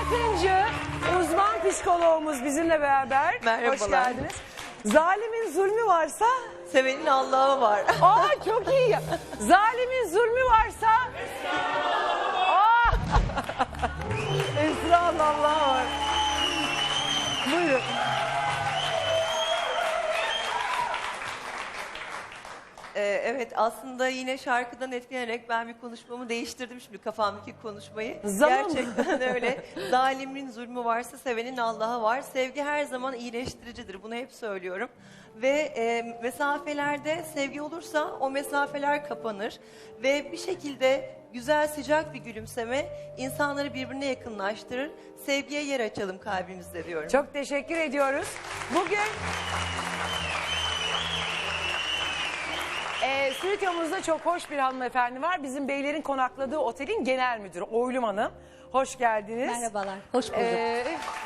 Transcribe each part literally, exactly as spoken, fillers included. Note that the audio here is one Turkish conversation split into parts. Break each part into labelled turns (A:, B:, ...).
A: Akıncı, uzman psikoloğumuz bizimle beraber.
B: Merhabalar.
A: Hoş geldiniz. Zalimin zulmü varsa...
B: Sevenin Allah'ı var.
A: Aa çok iyi ya. Zalimin zulmü varsa... Aa! Esra'nın Allah'ı var. Buyurun.
B: Ee, evet, aslında yine şarkıdan etkilenerek ben bir konuşmamı değiştirdim şimdi, kafamdaki konuşmayı.
A: Zaman
B: Gerçekten öyle. Zalimin zulmü varsa sevenin Allah'ı var. Sevgi her zaman iyileştiricidir. Bunu hep söylüyorum. Ve e, mesafelerde sevgi olursa o mesafeler kapanır. Ve bir şekilde güzel, sıcak bir gülümseme insanları birbirine yakınlaştırır. Sevgiye yer açalım kalbimizde diyorum.
A: Çok teşekkür ediyoruz. Bugün... Ee, stüdyomuzda çok hoş bir hanımefendi var. Bizim beylerin konakladığı otelin genel müdürü Oylum Hanım. Hoş geldiniz.
C: Merhabalar, hoş bulduk.
A: Ee,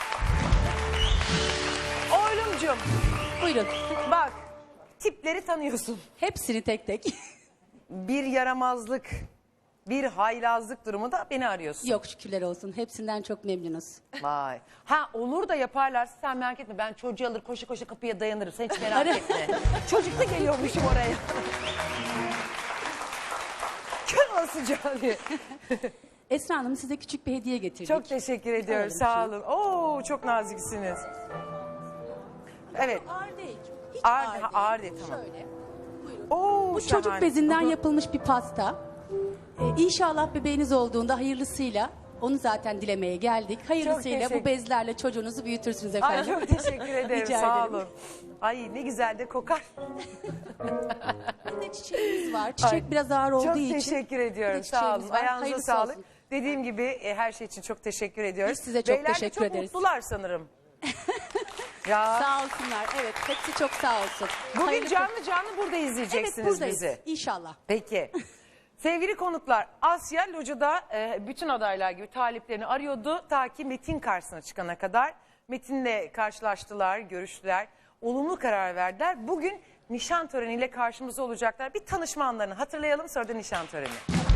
A: Oylumcum,
C: Buyurun.
A: bak tipleri tanıyorsun.
C: Hepsini tek tek.
A: Bir yaramazlık, bir haylazlık durumu da beni arıyorsun.
C: Yok şükürler olsun. Hepsinden çok memnunuz.
A: Vay. Ha olur da yaparlarsa sen merak etme. Ben çocuğu alır koşa koşa kapıya dayanırım. Sen hiç merak etme. Çocuk da geliyormuşum oraya. Kör olasıca diye.
C: Esra Hanım size küçük bir hediye getirdik.
A: Çok teşekkür ediyorum.
C: Alalım
A: Sağ
C: şunu.
A: olun. Oo çok naziksiniz. Evet.
C: Ağır değil. Hiç
A: Ağır-
C: ağır,
A: ha,
C: değil.
A: ağır değil, tamam.
C: Şöyle. Buyurun.
A: Oo,
C: Bu
A: şahane.
C: çocuk bezinden yapılmış bir pasta. Ee, İnşallah bebeğiniz olduğunda hayırlısıyla onu zaten dilemeye geldik. Hayırlısıyla
A: teşekkür-
C: bu bezlerle çocuğunuzu büyütürsünüz
A: Ay
C: efendim.
A: çok teşekkür ederim.
C: Rica
A: Sağ
C: ederim.
A: olun. Ay ne güzel de kokar.
C: Bir de çiçeğimiz var. Çiçek
A: Ay,
C: biraz ağır olduğu
A: çok
C: için.
A: teşekkür ediyorum.
C: bir de
A: Sağ olun.
C: çiçeğimiz var.
A: Ayağınıza
C: Hayırlısı
A: sağlık.
C: olsun.
A: Dediğim gibi e, her şey için çok teşekkür ediyoruz.
C: Biz size çok
A: Beyler de
C: teşekkür
A: çok
C: ederiz.
A: mutlular sanırım. Ya
C: Sağ olsunlar. Evet, hepsi çok sağ olsun.
A: bugün
C: Hayırlı-
A: canlı canlı burada
C: Evet,
A: izleyeceksiniz
C: buradayız.
A: bizi.
C: İnşallah.
A: Peki. Sevgili konuklar, Asya Loca'da e, bütün adaylar gibi taliplerini arıyordu. Ta ki Metin karşısına çıkana kadar. Metin'le karşılaştılar, görüştüler. Olumlu karar verdiler. Bugün nişan töreniyle karşımızda olacaklar. Bir tanışma anlarını hatırlayalım, sonra da nişan töreni.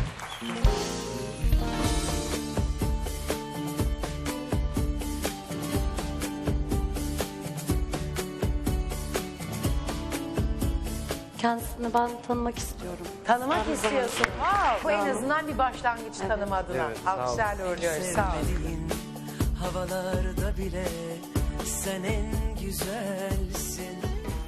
D: Kendisini ben tanımak istiyorum.
A: Tanımak
D: Aynı
A: istiyorsun. Wow, bu en azından bir başlangıç tanım adına.
E: Evet, sağ ol.
A: Alkışlarla uğurluyoruz. Sağ olun.
F: Sevmediğin havalarda bile sen en güzelsin.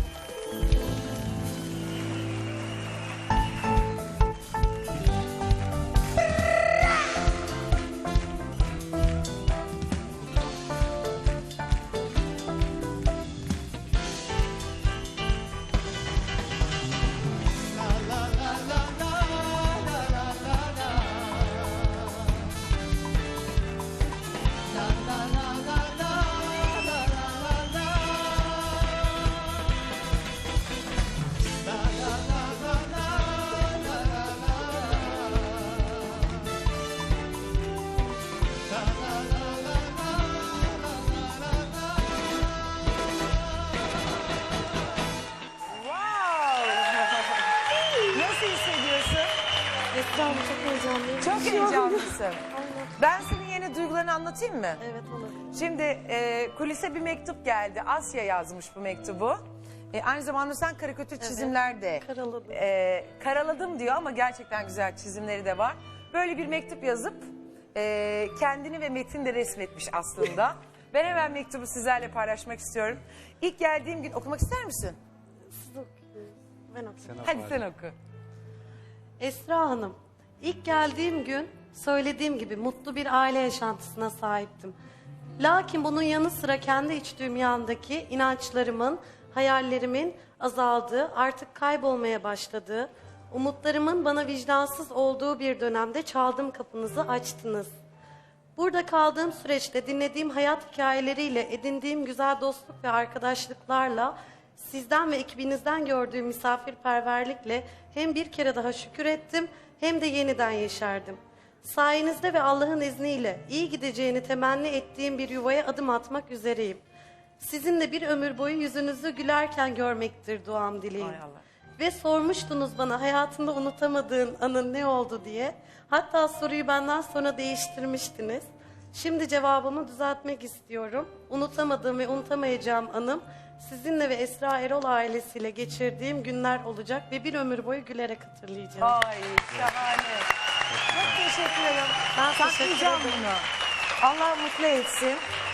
A: Wow. Nasıl hissediyorsun?
D: Esra Hanım çok heyecanlıyım.
A: Çok heyecanlısın. Ben senin yeni duygularını anlatayım mı?
D: Evet olur.
A: Şimdi e, kulise bir mektup geldi. Asya yazmış bu mektubu. E, aynı zamanda sen karikatür çizimler de
D: karaladım.
A: e, karaladım diyor ama gerçekten güzel çizimleri de var. Böyle bir mektup yazıp e, kendini ve Metin de resmetmiş aslında. Ben hemen mektubu sizlerle paylaşmak istiyorum. İlk geldiğim gün okumak ister misin?
D: Siz okuyun. Ben okuyayım.
A: Hadi sen oku.
D: Esra Hanım, ilk geldiğim gün söylediğim gibi mutlu bir aile yaşantısına sahiptim. Lakin bunun yanı sıra kendi iç dünyamdaki inançlarımın, hayallerimin azaldığı, artık kaybolmaya başladığı, umutlarımın bana vicdansız olduğu bir dönemde çaldım kapınızı açtınız. Burada kaldığım süreçte dinlediğim hayat hikayeleriyle, edindiğim güzel dostluk ve arkadaşlıklarla, sizden ve ekibinizden gördüğüm misafirperverlikle hem bir kere daha şükür ettim hem de yeniden yeşerdim. Sayenizde ve Allah'ın izniyle iyi gideceğini temenni ettiğim bir yuvaya adım atmak üzereyim. Sizinle bir ömür boyu yüzünüzü gülerken görmektir duam dileğim.
A: Hay Allah.
D: Ve sormuştunuz bana hayatında unutamadığın anın ne oldu diye. Hatta soruyu benden sonra değiştirmiştiniz. Şimdi cevabımı düzeltmek istiyorum. Unutamadığım ve unutamayacağım anım sizinle ve Esra Erol ailesiyle geçirdiğim günler olacak ve bir ömür boyu gülerek hatırlayacağım.
A: Ay şahane. Çok teşekkür ederim.
D: Ben teşekkür
A: Saklayacağım
D: ederim.
A: bunu. Allah mutlu etsin.